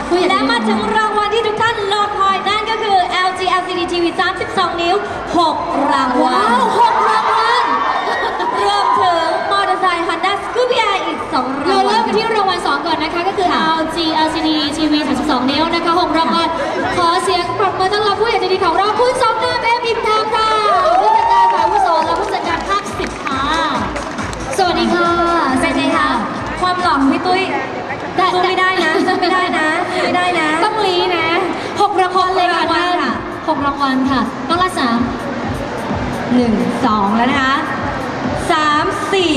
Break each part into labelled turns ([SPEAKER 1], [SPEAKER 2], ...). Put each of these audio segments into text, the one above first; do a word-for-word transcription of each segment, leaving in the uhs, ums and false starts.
[SPEAKER 1] และมาถึงรางวัลที่ทุกท่านรอคอยนั่นก็คือ แอล จี แอล ซี ดี ที วี สามสิบสอง นิ้ว หก รางวัล
[SPEAKER 2] ว้าวหกรางวัล
[SPEAKER 1] รวมถึงมอเตอร์ไซค์ Honda Scoopy i อีก สอง รางวัล
[SPEAKER 2] เราเริ่มกันที่รางวัลสองก่อนนะคะก็คือ แอล จี แอล ซี ดี ที วี สามสิบสอง นิ้วนะคะหกรางวัลขอเสียงปรบมือต้อนรับผู้ใหญ่ใจดีของเราคุณสมนามเอ็มอิมทามค่ะผู้จัดการฝ่ายอาวุโสและผู้จัดการภาคสิบค่ะสวัสดีค่ะสวัสดีค่ะ
[SPEAKER 1] ความหล่อของพี่ตุ้ยสู้ไม่ได้นะสู้ไม่ได้นะสู้ไม่ได้นะ
[SPEAKER 2] ต้องลีนะหกรางวัลเลยค่ะท่านหกรางวัลค่ะต้องละสาม
[SPEAKER 1] หนึ่ง สอง แล้วนะคะสาม สี่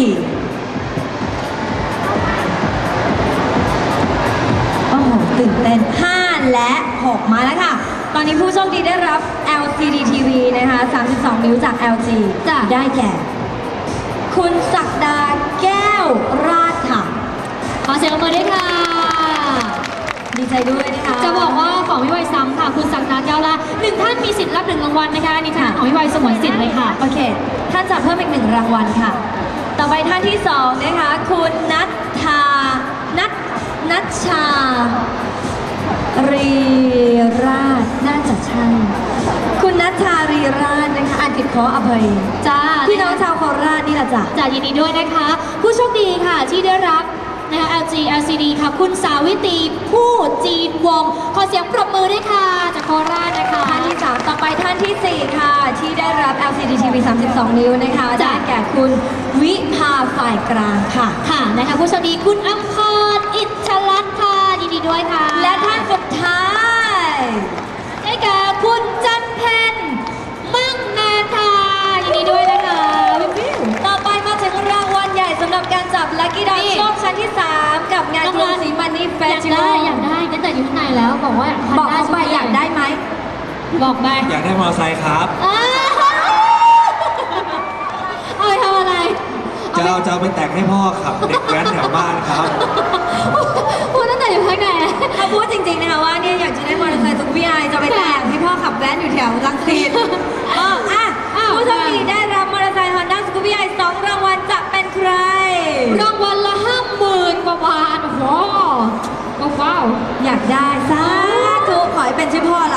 [SPEAKER 1] โอ้โหตื่นเต้นห้าและหกมาแล้วค่ะ ตอนนี้ผู้โชคดีได้รับ แอล ซี ดี ที วี นะคะสามสิบสอง นิ้วจาก แอล จี
[SPEAKER 2] จ้ะ
[SPEAKER 1] ได้แก่ คุณศักดาแก้วราชค่ะ
[SPEAKER 2] ขอเสียงปรบมือด้วยค่ะ
[SPEAKER 1] ดีใจด้วยนะคะ
[SPEAKER 2] จะบอกว่าของพี่ไวซ้ำค่ะคุณสักดาแก้วละหนึ่งท่านมีสิทธิ์รับหนึ่งรางวัลนะคะอันนี้ท่านของพี่ไวสมวนสิทธิ์เลยค่ะ
[SPEAKER 1] โอเค ท่านจะเพิ่มอีกหนึ่งรางวัลค่ะ ต่อไปท่านที่สองนะคะ คุณนัทธานัทนัชชา รีราชน่าจะใช่ คุณนัทชารีราชนะคะอ่านผิดขออภัย
[SPEAKER 2] จ้า
[SPEAKER 1] พี่น้องชาวโคราชนี่แหละจ้ะ
[SPEAKER 2] จ่ายินดีด้วยนะคะ ผู้โชคดีค่ะที่ได้รับนะคะ แอล จี แอล ซี ดี ค่ะคุณสาวิตรีผู้จีนวงศ์ขอเสียงปรบมือด้วยค่ะจากโคราชนะคะ
[SPEAKER 1] ท่านที่สามต่อไปท่านที่สี่ค่ะ ที่ได้รับ แอล ซี ดี ที วี สามสิบสอง นิ้วนะคะ
[SPEAKER 2] จ้ะ
[SPEAKER 1] ได้แก่คุณวิภาฝ่ายกลางค่ะ
[SPEAKER 2] ค่ะนะคะผู้โชคดีคุณอัมพรอิชลัตน์ค่ะยินดีด้วยค่ะ
[SPEAKER 1] และท่านสุดท้าย
[SPEAKER 2] ได้แก่คุณจันเพนมั่งนานค่ะยินดีด้วยนะคะวิววิว
[SPEAKER 1] ต่อไปมาถึงรางวัลใหญ่สำหรับการจับลัคกี้ดอ
[SPEAKER 2] นี่
[SPEAKER 1] โชคชั้นที่ สาม กับงานกรุงศรีมันนี่เฟ
[SPEAKER 2] อยา
[SPEAKER 1] ส
[SPEAKER 2] ก
[SPEAKER 1] ติ
[SPEAKER 2] ได้
[SPEAKER 1] วัล
[SPEAKER 2] อยากได้ตั้งแต่อยู่ข้างในแล้วบอกว่า
[SPEAKER 1] บอกเขาไปอยากได้ไหม
[SPEAKER 2] บอกไป
[SPEAKER 3] อยากได้มอเตอร์ไซค์ครับ
[SPEAKER 2] อ้าวเอาไปทำอะไร
[SPEAKER 3] จะเอาจะเอาไปแต่งให้พ่อขับเด็กแว้นแถวบ้านครับ
[SPEAKER 2] พูดตั้งแต่อยู่ข้างใน
[SPEAKER 1] เขาพูดจริงๆนะคะว่าเนี่ยอยากจะได้มอเตอร์ไซค์สุขวิไอจะไปแต่งให้พ่อขับแว้นอยู่แถวรังสิตเอออ่ะ
[SPEAKER 2] อ้าว
[SPEAKER 1] ผู้โชคดีได้รับมอเตอร์ไซค์ Honda Scoopy i สองรางวัลจะเป็นใคร
[SPEAKER 2] รางวัลละห้าหมื่นกว่าบาทโอ้โหว้าว
[SPEAKER 1] อยากได้สาธุขอให้เป็นชื่อพ่อเรา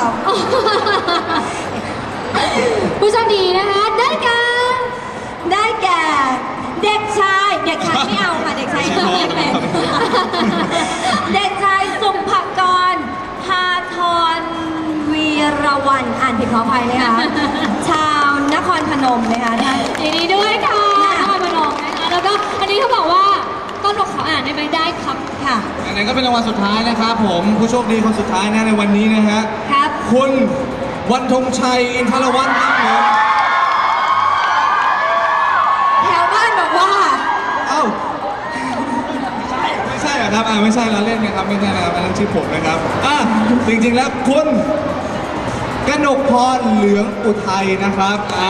[SPEAKER 2] ผู้โชคดีนะคะได้แก่
[SPEAKER 1] ได้แก่เด็กชาย เด็กชายไม่เอาค่ะเด็กชายไม่เป็นเด็กชายสุภกรพาทรวีรวันอ่านผิดขออภัยนะคะ ชาวนครพนมนะคะท่าน
[SPEAKER 2] ยินดีด้วยค่ะนครพนมนะคะแล้วก็อันนี้เขาบอกว่าต้นบอกขออ่านได้ไหมได้ครับ
[SPEAKER 1] ค่ะ
[SPEAKER 3] อันนั้นก็เป็นรางวัลสุดท้ายนะครับผมผู้โชคดีคนสุดท้ายนะในวันนี้นะฮะ
[SPEAKER 1] ครับ
[SPEAKER 3] คุณวันธงชัยอินทรวัฒน์ครับผม
[SPEAKER 1] แถวบ้านบอกว่า
[SPEAKER 3] เอ้าไม่ใช่เหรอครับอ่าไม่ใช่เราเล่นนะครับไม่ใช่นะครับอันนั้นชื่อผมนะครับอ่ะจริงๆแล้วคุณกนกพรเหลืองอุทัยนะครับอ่า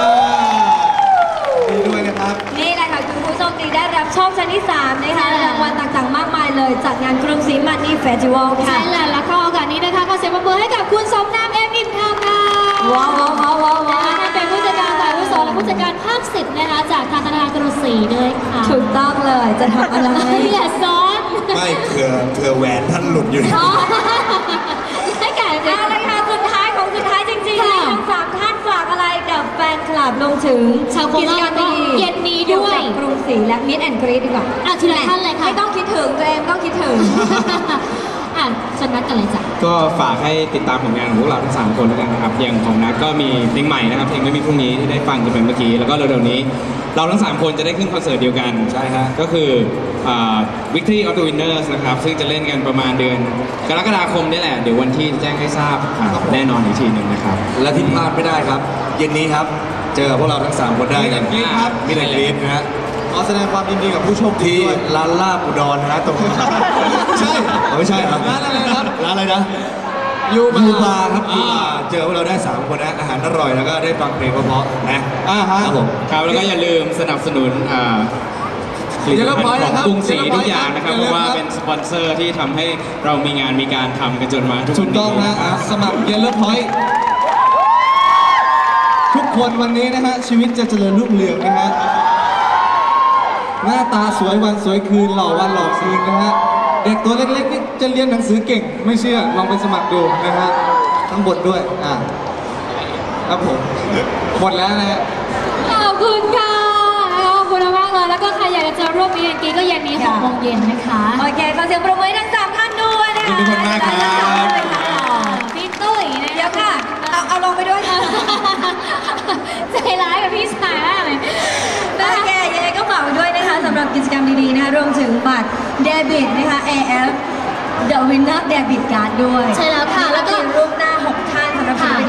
[SPEAKER 3] ดีด้วยนะครับ
[SPEAKER 1] นี่แหละค่ะคือผู้โชคดีได้รับโชคชั้นที่ สาม นะคะ
[SPEAKER 2] ใช่แล้ว
[SPEAKER 1] รางวัลต่างๆ มากมายเลยจากงานกรุงศรีมันนี่เฟสติวัลค่ะ
[SPEAKER 2] ใช่แล้วแล้วก็โอกาสนี้นะคะขอเสียงปรบมือให้กับคุณสมนามเอ็มอิมทามค่ะ
[SPEAKER 1] ว้าวว้าวว้าวว้าวว้า
[SPEAKER 2] นะคะท่านเป็นผู้จัดการฝ่ายอาวุโสและผู้จัดการภาคสิบนะคะจากทางธนาคารกรุงศรีด้วยค่ะ
[SPEAKER 1] ถูกต้องเลยจะทำอะไร
[SPEAKER 2] อย่าซ้อน
[SPEAKER 3] ไม่เผื่อเผื่อแหวนท่านหลุดอยู่
[SPEAKER 2] อ๋อให้แก่เด็ก
[SPEAKER 1] เอาละค่ะสุดท้ายของสุดท้ายจริงๆ
[SPEAKER 2] ค่ะ
[SPEAKER 1] ให้ทั้งสามท่านฝากอะไรกับแฟนคลับรวมถึง
[SPEAKER 2] ชาวโคราช
[SPEAKER 1] กิจกรรมดี
[SPEAKER 2] เย็นนี้ด้วย
[SPEAKER 1] เกี่กับกรุงศรีและมิดแอนด์กรีดดีกว่า
[SPEAKER 2] อ่ะทีละท่านเลยค่ะ
[SPEAKER 1] ไม่ต้องคิดถึงตัวเองต้องคิดถึง
[SPEAKER 2] อ่ะชนนัดกันเลยจ้ะ
[SPEAKER 4] ก็ฝากให้ติดตามผลงานของพวกเราทั้งสามคนแล้วกันนะครับอย่างของนัทก็มีเพลงใหม่นะครับเพลงไม่มีพรุ่งนี้ที่ได้ฟังกันไปเมื่อกี้แล้วก็เร็วๆนี้ เราทั้งสามคนจะได้ขึ้นคอนเสิร์ตเดียวกันใช่ฮะก็คืออ่า Victory of the Winners นะครับซึ่งจะเล่นกันประมาณเดือนกรกฎาคมนี่แหละเดี๋ยววันที่แจ้งให้ทราบครับแน่นอนอีกทีหนึ่งนะครับ
[SPEAKER 3] และที่พลาดไม่ได้ครับ เย็นนี้ครับ เจอพวกเราทั้งสามคนได้กัน
[SPEAKER 4] มีแต่กรี๊ดครับ
[SPEAKER 3] มีแต่กรี๊ดนะฮะขอแสดงความยินดีกับผู้โชคดีที่ร้านลาบอุดรนะฮะตรงใช่ไม่ใช่ครับร้านอะไรครับร้านอะไรนะยูบาร์ครับยูบาร์เจอพวกเราได้สามคนนะอาหารอร่อยแล้วก็ได้ฟังเพลงเพราะๆนะอ่าฮะครับผม
[SPEAKER 4] ครับแล้วก็อย่าลืมสนับสนุนอ่าผลิตภัณฑ์ของกรุงศรีทุกอย่างนะครับเพราะว่าเป็นสปอนเซอร์ที่ทำให้เรามีงานมีการทำกันจนมาทุก
[SPEAKER 3] ถู
[SPEAKER 4] วัน
[SPEAKER 3] ก
[SPEAKER 4] นี้
[SPEAKER 3] ต้องนะอ่ะสมัครเยลโล่พอยต์ทุกคนวันนี้นะฮะชีวิตจะเจริญรุ่งเรืองนะฮะหน้าตาสวยวันสวยคืนหล่อวันหล่อคืนนะฮะ
[SPEAKER 5] เด็กตัวเล็กๆนี่จะเรียนหนังสือเก่งไม่เชื่อลองไปสมัครดูนะฮะทั้งบทด้วยอ่าครับผมหมดแล้วนะฮะ
[SPEAKER 2] ขอบคุณค่ะขอบคุณมากเลยแล้วก็ใครอยากจะเจอร่วมมีเอ็นกีก็เย็นนี้หกโมงเย็นนะคะ
[SPEAKER 1] โอเคขอเสียงปรบมือให้ทั้งสามท่านด้วยนะคะ
[SPEAKER 3] ขอบคุณมากครับ
[SPEAKER 2] พี่ตุ้ยนะ
[SPEAKER 1] เดี๋ยวค่ะ เอาเอาลงไปด้วยค่ะ
[SPEAKER 2] ใจร้ายกับพี่ชายมากเลย
[SPEAKER 1] โอเคยังไงก็ฝากไว้ด้วยนะคะสำหรับกิจกรรมดีๆนะคะรวมถึงบัตรเดบิตนะคะ เอ เอฟ The Winner Debit Card ด้วย
[SPEAKER 2] ใช่แล้วค่ะแล้วก็
[SPEAKER 1] มีรูปหน้าหกท่านสำหรับศิลปิน